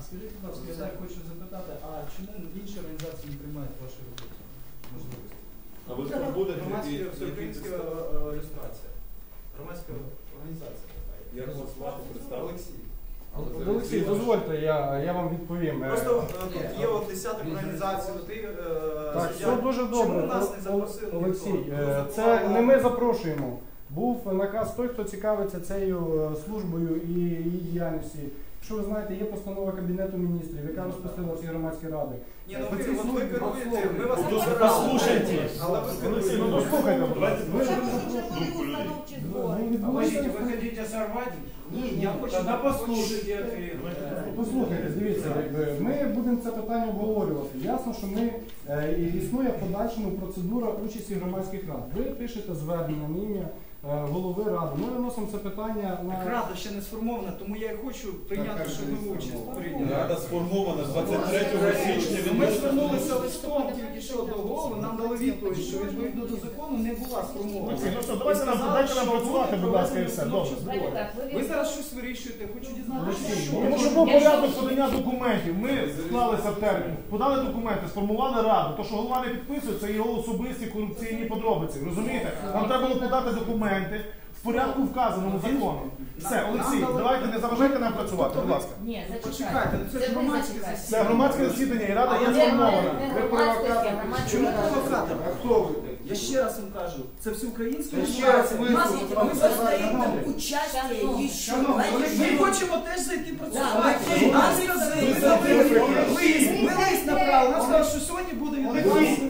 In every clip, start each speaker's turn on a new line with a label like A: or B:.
A: Скажіть, будь ласка, я так хочу запитати, а чому інші організації не приймають ваші роботи? Можливості?
B: А ви хто будете?
A: Всеукраїнська ілюстрація. Громадська організація така.
B: Як вас звати, представити?
A: Олексій.
C: Олексій, дозвольте, я вам відповім.
A: Просто тут є от десяток організацій,
C: так, все дуже добре.
A: Чому нас не запросили?
C: Олексій, це не ми запрошуємо. Був наказ той, хто цікавиться цією службою і її діяльністю. Якщо ви знаєте, є постанова Кабінету міністрів, яка розпустила ці громадські ради.
A: Ні, ну ви керуєте, ми вас
C: послухайте.
A: Але ви керуєте.
C: Ну, послухайте,
D: Вы хотите сорвать?
A: Ні, я хочу...
D: Тогда послушайте ответ.
C: Послухайте, дивіться, ми будемо це питання обговорювати. Ясно, що існує в подальшому процедура участі громадських рад. Ви пишете звернення на ім'я голови ради. Ми виносимо це питання на...
A: Так рада ще не сформована, тому я і хочу прийняти, щоб ви участь прийняли.
B: Рада сформована 23 січня.
A: Ми звернулися листом тільки що до голови, нам дали відповідь, що відповідно до закону не була сформована.
C: Дайте нам працювати, будь ласка, і все. Добре.
A: Ви зараз щось вирішуєте, хочу дізнатися, що.
E: Тому що був порядок подання документів. Ми склалися в термін, подали документи, сформували раду. То, що голова не підписує, це його особисті корупційні подробиці. Розумієте? Нам треба було подати документи в порядку вказаному законом. Все, Олексій, давайте не заважайте нам працювати, будь ласка.
F: Ні,
A: Почекайте, це ж громадське засідання.
E: Це громадське засідання і рада не сформована.
F: Ви провокатор.
A: Чому провокатор?
E: А хто ви?
A: Я ще раз вам кажу, це всеукраїнська
E: Ще раз
A: організація. Ми задаємо
F: участие еще.
A: Ми хочемо теж зайти працювати. Нам сказали, ми лист направили, нам сказали, що сьогодні буде відбуватися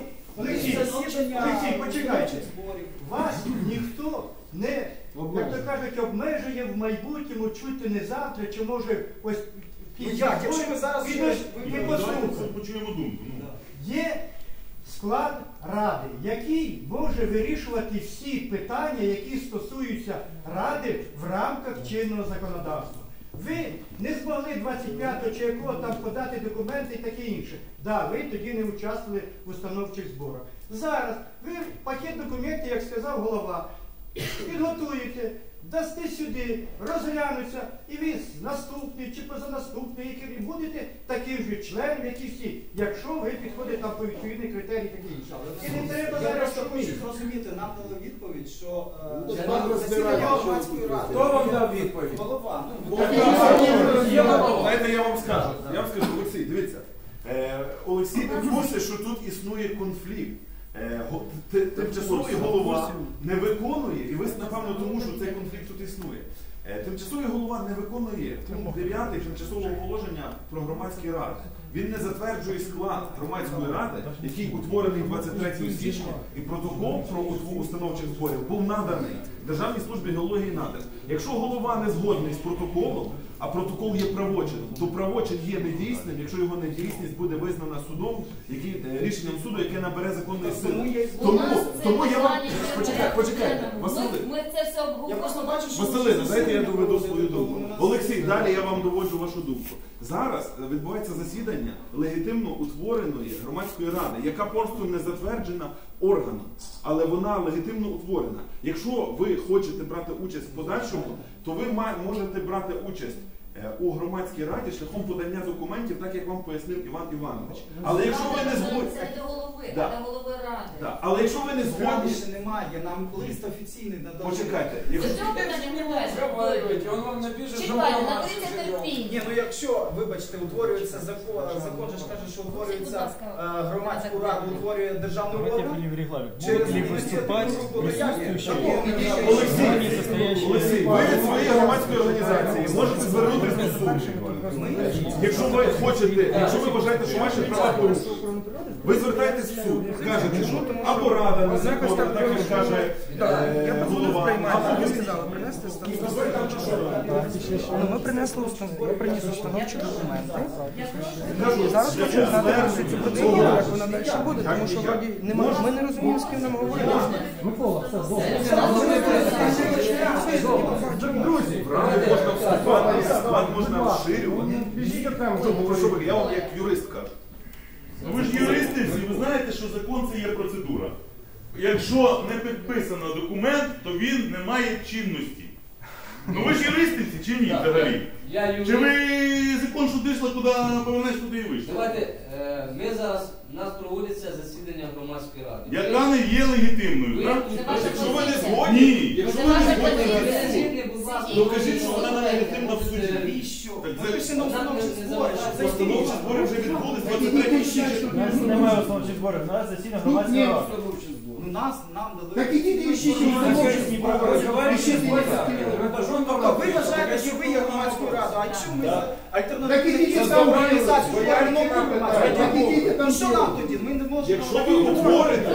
G: Олексій, почекайте. Вас ніхто не, як то кажуть, обмежує в майбутньому, чути не завтра, чи може ось
A: як? Якщо ви зараз
G: ви послухайте.
B: Почуємо думку.
G: Є склад ради, який може вирішувати всі питання, які стосуються ради в рамках чинного законодавства. Ви не змогли 25-го чи якого там подати документи і таке інше. Да, ви тоді не участвували в установчих зборах. Зараз ви пакет документів, як сказав голова, підготуєте, дасте сюди, розглянуться, і ви наступний чи позанаступний, і будете таким же членом, як і всі, якщо ви підходите там по відповідний критерій таке інше. І не треба
A: Я
G: зараз
A: просто хочу
G: робити.
A: зрозуміти, нам дали відповідь, що
E: Нам
A: засідання громадської ради.
D: Хто вам дав відповідь?
A: Голова.
B: Знаєте, я вам скажу, Олексій, дивіться, Олексій не курсі, що тут існує конфлікт. Тимчасовий голова не виконує, і ви, напевно, тому що цей конфлікт тут існує. Тимчасовий голова не виконує пункт 9 тимчасового положення про громадські ради. Він не затверджує склад громадської ради, який утворений 23 січня, і протокол про установчих зборів був наданий Державній службі геології наданий. Якщо голова не згодний з протоколом, а протокол є правочином, то правочин є недійсним, якщо його недійсність буде визнана судом, рішенням суду, яке набере законної сили. Тому я вам... Почекайте, Василина.
F: Ми це все обговорюємо.
B: Василина, дайте я доведу свою думку. Олексій, далі я вам доводжу вашу думку. Зараз відбувається засідання легітимно утвореної громадської ради, яка просто не затверджена органом, але вона легітимно утворена. Якщо ви хочете брати участь в подальшому, то ви можете брати участь у громадській раді шляхом подання документів, так як вам пояснив Іван Іванович. Але якщо ви не згодні...
F: Це до голови,
B: Да.
F: а до голови ради.
B: Да. Але якщо ви не згодні...
A: ще немає, нам лист офіційний надали.
B: Почекайте.
F: До цього питання немає.
D: Разговаривайте, он вам напишет, что
F: Чекайте,
D: он
F: наберіться терпіння.
A: Ні, ну якщо, вибачте, утворюється закон же ж каже, що утворюється громадську раду, утворює державний орган. Через виступати
B: Олексій, ви від своєї громадської організації можете звернутися до суду. Якщо ви хочете, якщо ви вважаєте, що ваші права порушені, ви звертаєтесь в суд, кажете, що або рада не законна, так як каже голова, або ви
H: принести ми принесли я приніс установчі документи. Зараз хочу знати цю процедуру, як вона далі буде, тому що вроді ми не розуміємо, з ким нам говорити.
C: Микола, все, добре.
B: друзі, можна вступати, склад можна розширювати. Я вам як юрист кажу.
I: Ви ж юристи всі, ви знаєте, що закон це є процедура. Якщо не підписано документ, то він не має чинності. Ну ви ж юристи всі чи ні взагалі?
J: Я юрист.
I: Чи ви закон, що дійшла, куди повернеш, туди і вийшла?
J: Давайте, ми зараз, у нас проводиться засідання громадської ради.
I: Яка не є легітимною, так?
F: Якщо ви не
I: згодні, ні. Якщо ви не згодні,
F: Ну,
I: кажіть, що вона не легітимна в суді.
A: Навіщо?
I: Так
A: Ми
I: це-
A: пишемо установчі збори.
I: Постановчі збори вже відбулись 23 січня.
E: У нас немає установчих зборів, у нас засідання громадської ради.
A: Ну нам дали.
G: Так ідіть і ищіть установчі
A: Тобто ви вважаєте, що ви є громадською радою, а якщо ми
G: Так
A: альтернативну
G: ідіть там,
A: організацію
G: так
A: створимо,
G: ідіть там.
A: ну що нам тоді? Ми не можемо.
I: Якщо ви утворите,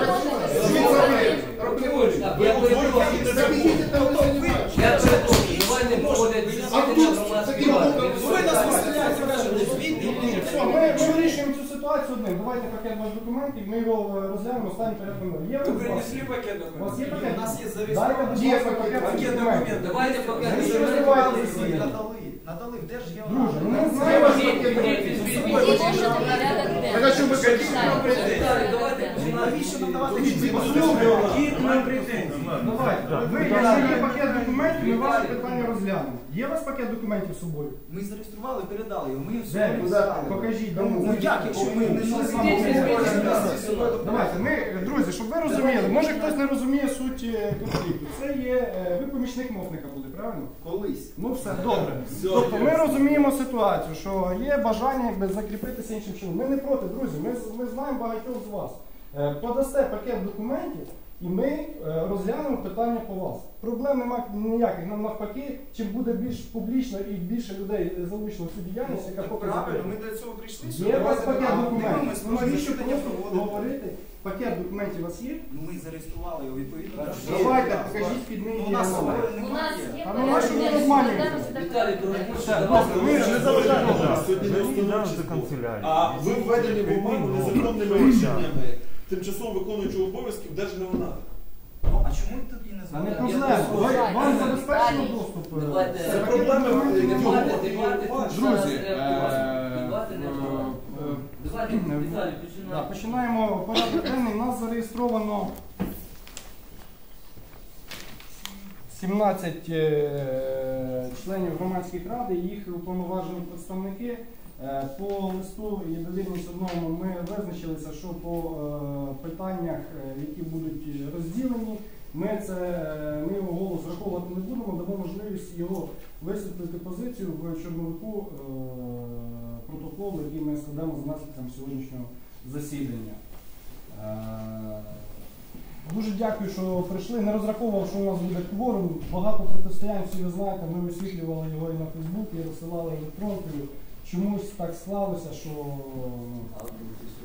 G: Так ідіть там.
J: Я перепрошую, давайте проводять засідання громадської ради.
A: Ви нас виселяєте, кажете, звідти.
C: Все, ми вирішуємо цю ситуацію одним. Давайте пакет ваших документів, ми його розглянемо, останній порядок номер. Є
D: Ви
C: у вас?
D: принесли пакет
C: У вас є
D: документів?
C: пакет?
A: У нас є
C: Дайте,
A: зареєстрований.
C: будь ласка, пакет
D: Пакет
C: документів.
D: документів.
J: Давайте поки
C: Ви
J: не
C: що
J: заберемо.
C: розриваєте
A: Ми
C: засідання?
A: надали, де ж є
C: Друже, ну
A: вона?
C: не знаю ваш
J: Ідіть,
C: пакет
J: ідіть,
C: документів.
J: візьміть.
F: Так, а що ви
J: Віталій, давайте
A: Навіщо нам давати
D: Які к нам претензії?
C: Давайте. Ви, якщо є пакет документів, ми ваше питання розглянемо. Є у вас пакет документів з собою?
A: Ми зареєстрували, передали його. Ми все
C: Де?
A: розглядали.
C: Покажіть.
A: Ну як, якщо ми не
C: Давайте, ми, друзі, щоб ви розуміли, може хтось не розуміє суть конфлікту. Це є, ви помічник мовника були, правильно?
A: Колись.
C: Ну все, добре. Тобто ми розуміємо ситуацію, що є бажання якби закріпитися іншим чином. Ми не проти, друзі, ми знаємо багатьох з вас. Подасте пакет документів і ми розглянемо питання по вас. Проблем немає ніяких, нам навпаки, чим буде більш публічно і більше людей залучено в цю діяльність, яка поки
A: Правильно,
C: закрита.
A: ми до цього прийшли.
C: Є у вас пакет документів.
A: Дивимось,
C: Ну
A: може
C: навіщо
A: засідання
C: просто
A: проводити.
C: говорити? Пакет документів у вас є?
A: Ну ми зареєстрували його відповідно.
C: Давайте, покажіть під
A: Ну,
C: неї.
A: у нас
C: номер.
A: собою
F: У нас
A: немає.
F: є
C: А ну нащо ви обманюєте?
J: Віталій, прошу,
C: Ми ж не заважаємо.
B: Сьогодні не установчі збори. А ви введені в оману незаконними рішеннями тимчасово виконуючого обов'язків Держгеонадр.
A: Ну, а чому тоді не
C: Та не
A: знаємо?
C: проблема. Вам забезпечено доступ.
J: Давайте.
C: Це
B: Це
C: пакет
B: проблема
C: документів.
J: Дебати тут зараз
C: Друзі,
J: треба проводити. Дебати не треба. Давайте, Віталій,
C: Да,
J: починаємо.
C: починаємо порядок денний. У нас зареєстровано 17 членів громадських рад і їх уповноважені представники. По листу і довірність одному ми визначилися, що по питаннях, які будуть розділені, ми його голос враховувати не будемо, дамо можливість його висвітлити позицію в чорновику протоколу, який ми складемо за наслідком сьогоднішнього засідання. Дуже дякую, що прийшли. Не розраховував, що у нас буде кворум. Багато протистоянь, всі ви знаєте, ми висвітлювали його і на Фейсбуці, і розсилали електронкою. Чомусь так склалося, що